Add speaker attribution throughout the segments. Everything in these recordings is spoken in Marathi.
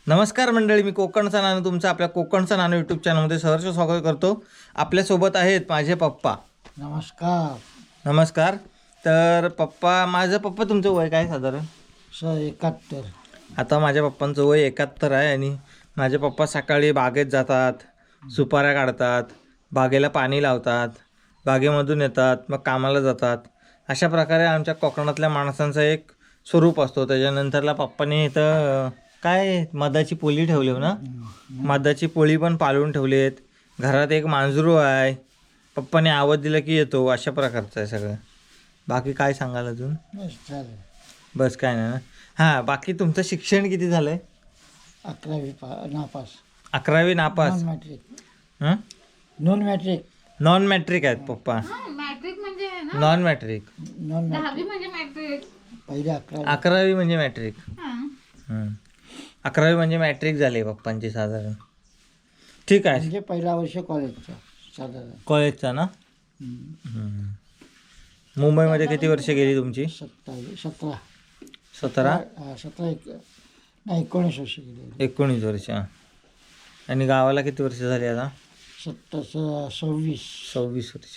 Speaker 1: नमस्कार मंडळी, मी कोकणचा नानू तुमचं आपल्या कोकणचा नानू यूट्यूब चॅनलमध्ये सहर्ष स्वागत करतो. आपल्यासोबत आहेत माझे पप्पा.
Speaker 2: नमस्कार.
Speaker 1: नमस्कार. तर माझं पप्पा तुमचं वय काय साधारण?
Speaker 2: 71.
Speaker 1: आता माझ्या पप्पांचं वय 71 आहे आणि माझे पप्पा सकाळी बागेत जातात, सुपाऱ्या काढतात, बागेला पाणी लावतात, बागेमधून येतात, मग कामाला जातात. अशा प्रकारे आमच्या कोकणातल्या माणसांचा एक स्वरूप असतो. त्याच्यानंतरला पप्पाने इथं काय मधाची पोळी ठेवली हो ना, मधाची पोळी पण पाळून ठेवलीत. घरात एक मांजरू आहे, पप्पाने आवाज दिला की येतो. अशा प्रकारचं आहे सगळं. बाकी काय सांगाल अजून?
Speaker 2: चालेल.
Speaker 1: बस काय नाही ना. हां, बाकी तुमचं शिक्षण किती झालं आहे?
Speaker 2: 11वी नापास.
Speaker 1: 11वी नापास.
Speaker 2: Non matric.
Speaker 1: हं?
Speaker 2: Non matric.
Speaker 1: नॉन मॅट्रिक आहेत पप्पा.
Speaker 3: मॅट्रिक म्हणजे आहे ना,
Speaker 1: नॉन मॅट्रिक.
Speaker 2: Non matric.
Speaker 3: 10वी म्हणजे मॅट्रिक.
Speaker 2: पहिले 11वी.
Speaker 1: 11वी म्हणजे मॅट्रिक.
Speaker 3: हां.
Speaker 1: 11वी म्हणजे मॅट्रिक झाली पप्पांची साधारण. ठीक आहे.
Speaker 2: म्हणजे पहिला वर्ष कॉलेजचा साधारण.
Speaker 1: कॉलेजचा ना. मुंबईमध्ये किती वर्ष गेली तुमची?
Speaker 2: 17.
Speaker 1: 17?
Speaker 2: 19 वर्ष गेले.
Speaker 1: 19 वर्ष. आणि गावाला किती वर्ष झाली आता?
Speaker 2: 26
Speaker 1: वर्ष.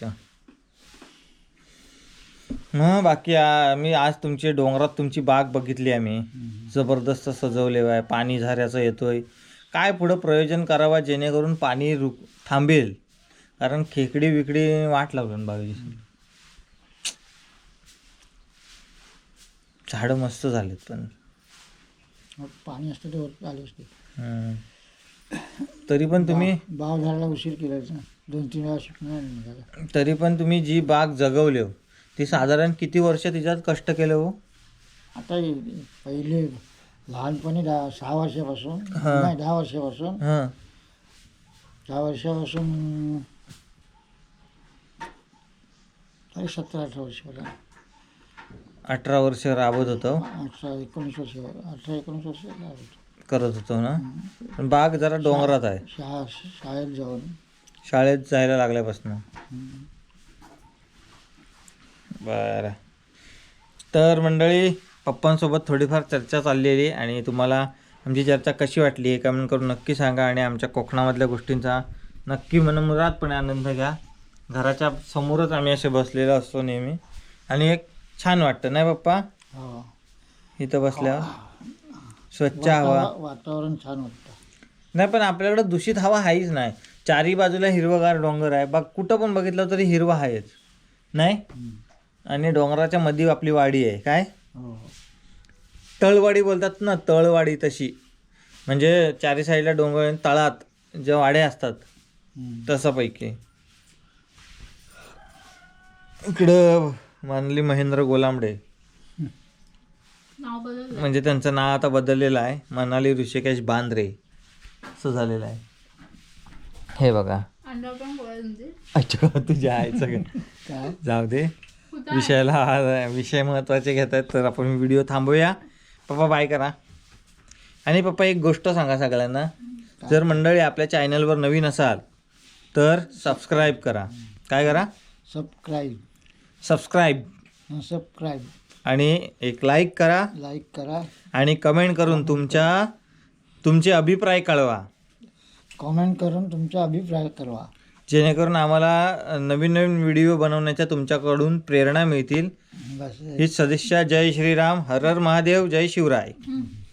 Speaker 1: मग बाकी मी आज तुमची डोंगरात तुमची बाग बघितली आम्ही. जबरदस्त सजवले आहे, पाणी झऱ्याचं येतोय. काय पुढं प्रयोजन करावं जेणेकरून पाणी थांबेल, कारण खेकडी विकडी वाट लावलं ना बागेची. झाडं मस्त झालेत पण
Speaker 2: पाणी असतं ते वर आले असते.
Speaker 1: तरी पण तुम्ही
Speaker 2: बाव झाडाला उशीर केला 2-3 वेळा शिकणार नाही.
Speaker 1: तरी पण तुम्ही जी बाग जगवली हो, ती साधारण किती वर्ष तिच्यात कष्ट केले हो?
Speaker 2: आता पहिले लहानपणी 6 वर्षापासून नाही 10 वर्षापासून. 10 वर्षापासून तरी 17-18 वर्ष.
Speaker 1: 18 वर्ष राबत होतो.
Speaker 2: 18-19 वर्ष. 18-19 वर्ष
Speaker 1: करत होतो ना. पण बाग जरा डोंगरात आहे.
Speaker 2: शाळेत जाऊन.
Speaker 1: शाळेत जायला लागल्यापासून. बरं. तर मंडळी, पप्पांसोबत थोडीफार चर्चा चाललेली आणि तुम्हाला आमची चर्चा कशी वाटली हे कमेंट करून नक्की सांगा. आणि आमच्या कोकणामधल्या गोष्टींचा नक्की मनमुरादपणे आनंद घ्या. घराच्या समोरच आम्ही असे बसलेलो असतो नेहमी आणि एक छान वाटतं नाही पप्पा इथं बसल्यावर? स्वच्छ हवा,
Speaker 2: वातावरण छान वाटतं.
Speaker 1: नाही पण आपल्याकडे दूषित हवा आहेच नाही. चारी बाजूला हिरवगार डोंगर आहे. बघ कुठं पण बघितलं तरी हिरवा आहेच नाही. आणि डोंगराच्या मध्ये आपली वाडी आहे. काय तळवाडी बोलतात ना, तळवाडी तशी. म्हणजे चारी साईडला डोंगर, तळात ज्या वाड्या असतात तसापैकी. इकडं मानली महेंद्र गोलांबडे,
Speaker 3: नाव बदललं.
Speaker 1: म्हणजे त्यांचं नाव आता बदललेलं आहे. मनाली ऋषिकेश बांद्रे असं झालेलं आहे. हे बघा.
Speaker 3: अंडरपॅन्ट गोळा तुमचे.
Speaker 1: अच्छा, तुझ्या आहे सगळं.
Speaker 2: काय
Speaker 1: जाऊ दे, विषय महत्त्वाचे घेत आहेत तर आपण व्हिडिओ थांबूया. पप्पा बाय करा. आणि पप्पा एक गोष्ट सांगा सगळ्यांना, जर मंडळी आपल्या चॅनलवर नवीन असाल तर सबस्क्राईब करा. काय करा? सबस्क्राईब आणि एक लाईक करा आणि कमेंट करून तुमचे अभिप्राय कळवा.
Speaker 2: कॉमेंट करून तुमचा अभिप्राय कळवा,
Speaker 1: जेणेकरून आम्हाला नवीन नवीन व्हिडिओ बनवण्याच्या तुमच्याकडून प्रेरणा मिळतील.
Speaker 2: बस.
Speaker 1: हीच सदिच्छा. जय श्रीराम, हर हर महादेव, जय शिवराय.